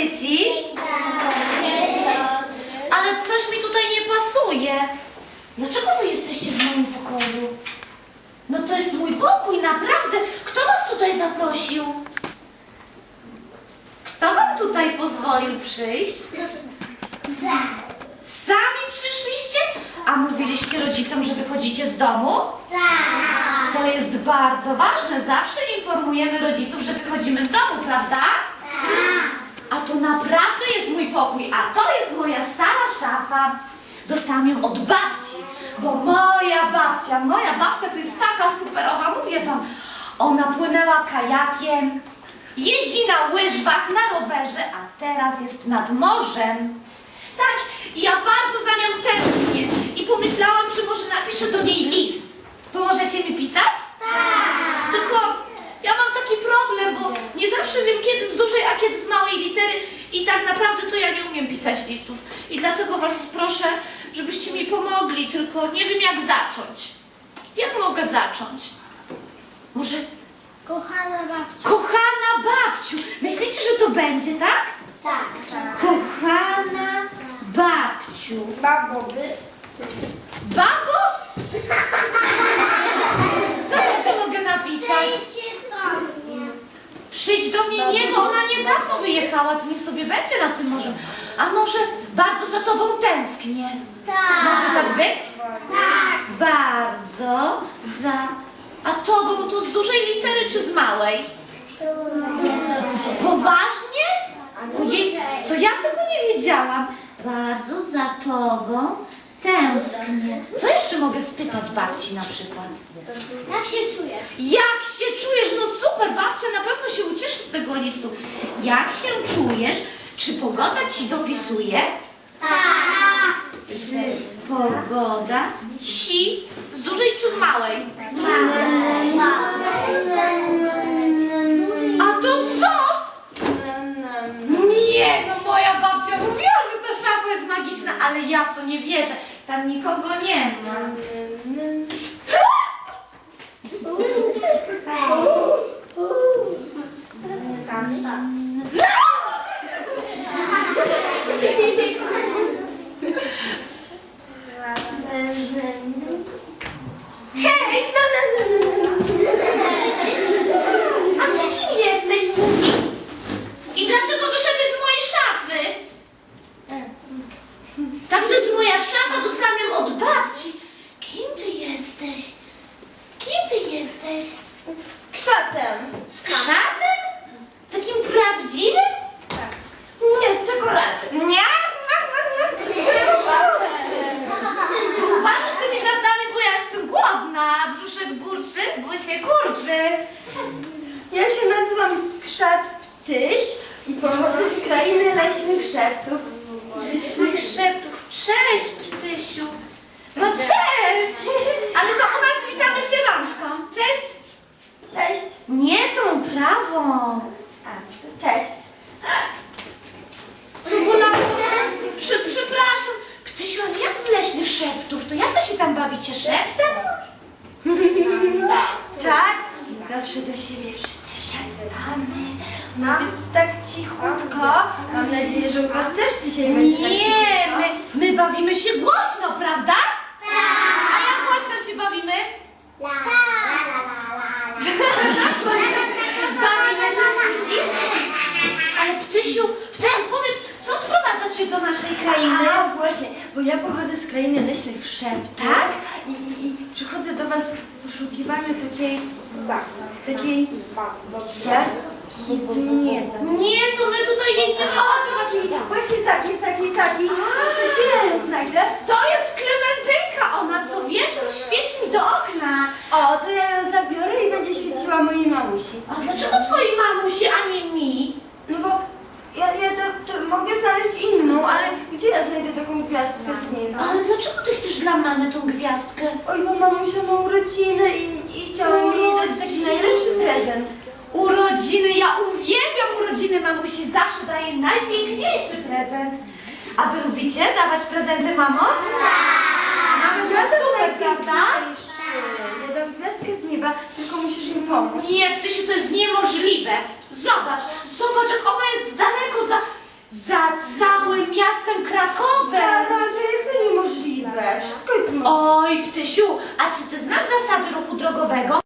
dzieci. Ale coś mi tutaj nie pasuje. Dlaczego wy jesteście w moim pokoju? No to jest mój pokój, naprawdę. Kto was tutaj zaprosił? Kto wam tutaj pozwolił przyjść? Sami przyszliście? A mówiliście rodzicom, że wychodzicie z domu? Tak. To jest bardzo ważne. Zawsze informujemy rodziców, że wychodzimy z domu, prawda? A to naprawdę jest mój pokój, a to jest moja stara szafa. Dostałam ją od babci, bo moja babcia to jest taka superowa, mówię wam. Ona płynęła kajakiem, jeździ na łyżwach, na rowerze, a teraz jest nad morzem. Tak, i ja bardzo za nią tęsknię i pomyślałam, że może napiszę do niej list. Pomożecie mi pisać? Tak. Tylko ja mam taki problem, bo nie zawsze wiem, kiedy z dużej, a kiedy z małej litery i tak naprawdę to ja nie umiem pisać listów. I dlatego was proszę, żebyście mi pomogli, tylko nie wiem jak zacząć. Jak mogę zacząć? Może... Kochana babciu. Kochana babciu! Myślicie, że to będzie, tak? Tak. Kochana babciu. Baboby. Babo? Co jeszcze mogę napisać? Przyjdźcie do mnie. Przyjdź do mnie, nie, bo ona niedawno wyjechała, to niech sobie będzie na tym morzu. A może bardzo za tobą tęsknię? Tak. Może tak być? Tak. Bardzo za... A tobą to z dużej litery czy z małej? Poważnie? Ojej, to ja tego nie wiedziałam. Bardzo za tobą tęsknię. Co jeszcze mogę spytać babci na przykład? Jak się czujesz? Jak się czujesz? No super, babcia na pewno się ucieszy z tego listu. Jak się czujesz? Czy pogoda ci dopisuje? Tak. Czy pogoda ci z dużej czy z małej? A to co? Nie, no moja babcia mówiła, że ta szafa jest magiczna, ale ja w to nie wierzę. Tam nikogo nie ma. Hej! A ty kim jesteś, Buki? I dlaczego wyszedłeś z mojej szafy? Tak, to jest moja szafa, dostałam ją od babci. Kim ty jesteś? Kim ty jesteś? Z krzatem. Z krzatem? Takim prawdziwym? Tak. Nie, z czekolady. Nie? Uważaj z tymi żartami, bo ja jestem głodna, a brzuszek burczy, bo się kurczy. Ja się nazywam Skrzat Ptyś i pochodzę z krainy leśnych szeptów. Leśnych szeptów. Cześć, Ptysiu. No cześć! Ale to u nas witamy się rączką. Cześć. Cześć. Nie tą prawą. A, to cześć. To bolało. Przepraszam. Ptysiu, ale jak z leśnych szeptów? To jak wy się tam bawicie szeptem? Tak? Zawsze do siebie wszyscy szeptamy. No jest tak cichutko. Mam nadzieję, że u was też dzisiaj będzie tak Nie, cichutko. my bawimy się głośno, prawda? A jak głośno się bawimy? Bawimy, widzisz? Ale Ptysiu, powiedz, co sprowadza cię do naszej krainy? A właśnie, bo ja pochodzę z krainy leśnych szeptów. Tak? I przychodzę do was w poszukiwaniu takiej gwiazdki z nieba. Nie, to my tutaj jej nie mamy. Właśnie taki. To gdzie ja ją znajdę? To jest Klementynka, ona co wieczór świeci mi do okna. O, to ja ją zabiorę i będzie świeciła mojej mamusi. A dlaczego twojej mamusi, a nie mi? No bo ja to mogę znaleźć inną, ale gdzie ja znajdę taką gwiazdkę z nieba? Ale dlaczego ty chcesz dla mamy tą gwiazdkę? Oj, bo mamusia ma urodziny i chciałam jej dać taki najlepszy prezent. Urodziny, ja uwielbiam urodziny mamusi, zawsze daje najpiękniejszy prezent. A wy lubicie dawać prezenty mamom? Mamy są super, prawda? Ja dam gwiazdkę z nieba, tylko musisz mi pomóc. Nie, Ptysiu, to jest niemożliwe. Zobacz, jak ona jest daleko Tysiu, a czy ty znasz zasady ruchu drogowego?